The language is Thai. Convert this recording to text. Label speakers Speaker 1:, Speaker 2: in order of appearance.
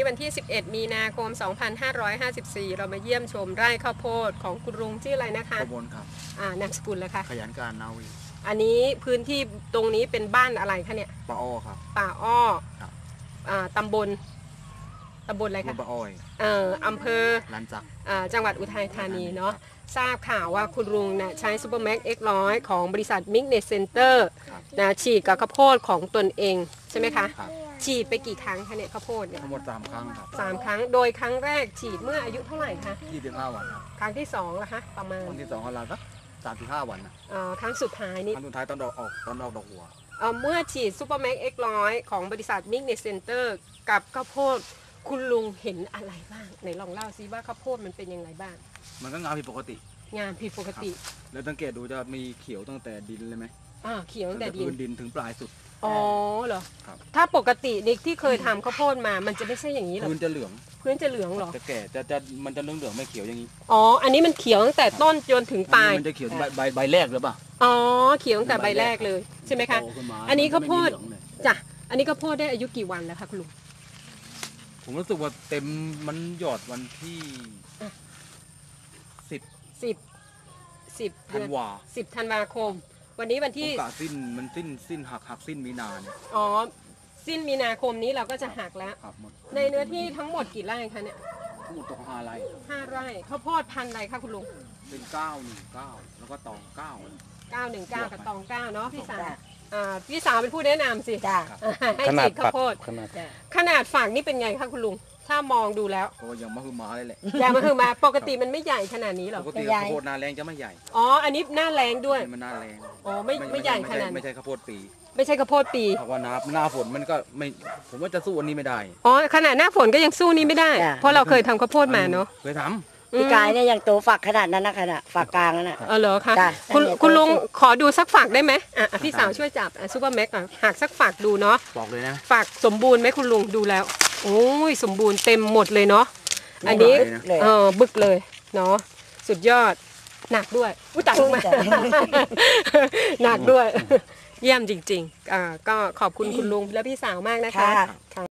Speaker 1: วันที่ 11 มีนาคม 2554 เรามาเยี่ยมชมไร่ข้าวโพดของคุณลุงชื่ออะไรนะคะ
Speaker 2: กบลครับ
Speaker 1: นามสกุลเลยค่ะ
Speaker 2: ขยันการนาวี
Speaker 1: อันนี้พื้นที่ตรงนี้เป็นบ้านอะไรคะเนี่ย
Speaker 2: ป่าอ้อครับ
Speaker 1: ป่าอ้อ
Speaker 2: ครับ
Speaker 1: ตำบลอะไรคะ
Speaker 2: ป่าอ้อย
Speaker 1: อำเภอ
Speaker 2: ลันจัก
Speaker 1: จังหวัดอุทัยธานีเนาะทราบข่าวว่าคุณลุงนะใช้ซูเปอร์แม็ก X100 ของบริษัทมิกเนสเซ็นเตอร์นะฉีดกับข้าวโพดของตนเองใช่ไหมคะฉีดไปกี่ครั้งคะเนี่ยข้าวโพดเนี่ย
Speaker 2: ทั้งหมด3 ครั้งครับ
Speaker 1: 3 ครั้งโดยครั้งแรกฉีดเมื่ออายุเท่าไหร่คะ
Speaker 2: 25 วันครับ
Speaker 1: ครั้งที่2ล่ะคะประมาณ
Speaker 2: ครั้งที่2ของเราสัก35 วันนะ
Speaker 1: ครั้งสุดท้ายนี่
Speaker 2: ครั้งสุดท้ายตอนออกดอกหัว
Speaker 1: เมื่อฉีดซูเปอร์แม็ก X100 ของบริษัทมิกเนสเซ็นเตอร์กับข้าวโพดคุณลุงเห็นอะไรบ้างไหนลองเล่าซิว่าข้าวโพดมันเป็นยังไงบ้าง
Speaker 2: มันก็งามผิดปกติ
Speaker 1: งามผิดปกติ
Speaker 2: แล้วสังเกตดูจะมีเขียวตั้งแต่ดินเลยไหม
Speaker 1: เขียวตั้งแต่
Speaker 2: ดินถึงปลายสุด
Speaker 1: อ๋อเหรอครับถ้าปกตินิกที่เคยทำข้าวโพดมามันจะไม่ใช่อย่างนี้หรอ
Speaker 2: พื้นจะเหลือง
Speaker 1: หรอ
Speaker 2: จะแก่มันจะเหลืองไม่เขียวอย่างนี้
Speaker 1: อันนี้มันเขียวตั้งแต่ต้นจนถึงปลาย
Speaker 2: มันจะเขียวใบแรกหรือเปล่า
Speaker 1: เขียวตั้งแต่ใบแรกเลยใช่ไหมคะอันนี้ข้าวโพดจ้ะอันนี้ข้าวโพดได้อายุกี่วันแล้วคะคุณลุง
Speaker 2: ผมรู้สึกว่าเต็มมันหยอดวันที่10 ธันวา
Speaker 1: 10 ธันวาคมวันนี้วันที่
Speaker 2: สิ้นหักสิ้นมีนาเนี่ย
Speaker 1: สิ้นมีนาคมนี้เราก็จะหักแล้วในเนื้อที่ทั้งหมดกี่ไร่คะเนี่ย
Speaker 2: ทั้งหมด5 ไร่
Speaker 1: 5 ไร่ข้าวโพดพันธุ์อะไรคะคุณลุง
Speaker 2: เป็น919แล้วก็ตอง
Speaker 1: 919กับตอง9เนาะพี่สาวเป็นผู้แนะนำสิให้ฉีดข้าวโพดขนาดฝักนี่เป็นไงคะคุณลุงถ้ามองดูแล้ว
Speaker 2: ก็ยังมะฮือมาเลยแหละ
Speaker 1: ยังมะฮือมาปกติมันไม่ใหญ่ขนาดนี้หรอ
Speaker 2: ปกติข้าวโพดหน้าแรงจะไม่ใหญ่
Speaker 1: อันนี้หน้าแรงด้วย
Speaker 2: มันหน้าแรง
Speaker 1: ไม่ใหญ่ขนาด
Speaker 2: ไม่ใช่ข้าวโพดปี
Speaker 1: ไม่ใช่ข้าวโพดปี
Speaker 2: เพราะว่าหน้าฝนมันก็ไม่ผมว่าจะสู้อันนี้ไม่ได้
Speaker 1: ขนาดหน้าฝนก็ยังสู้นี้ไม่ได้เพราะเราเคยทำข้าวโพดมาเนาะ
Speaker 2: เคยทำ
Speaker 3: พี่กายเนี่ยยังโตฝักขนาดนั้นนะขนาดฝักกลางนั่นน่ะ
Speaker 1: เหรอคะคุณลุงขอดูสักฝักได้ไหมพี่สาวช่วยจับซูเปอร์แม็กหักสักฝักดูเนาะ
Speaker 2: บอกเลยนะ
Speaker 1: ฝักสมบูรณ์ไหมคุณลุงดูแล้วโอ้ยสมบูรณ์เต็มหมดเลยเนาะอันนี้บึกเลยเนาะสุดยอดหนักด้วยตักมาหนักด้วยเยี่ยมจริงๆก็ขอบคุณคุณลุงและพี่สาวมากนะคะ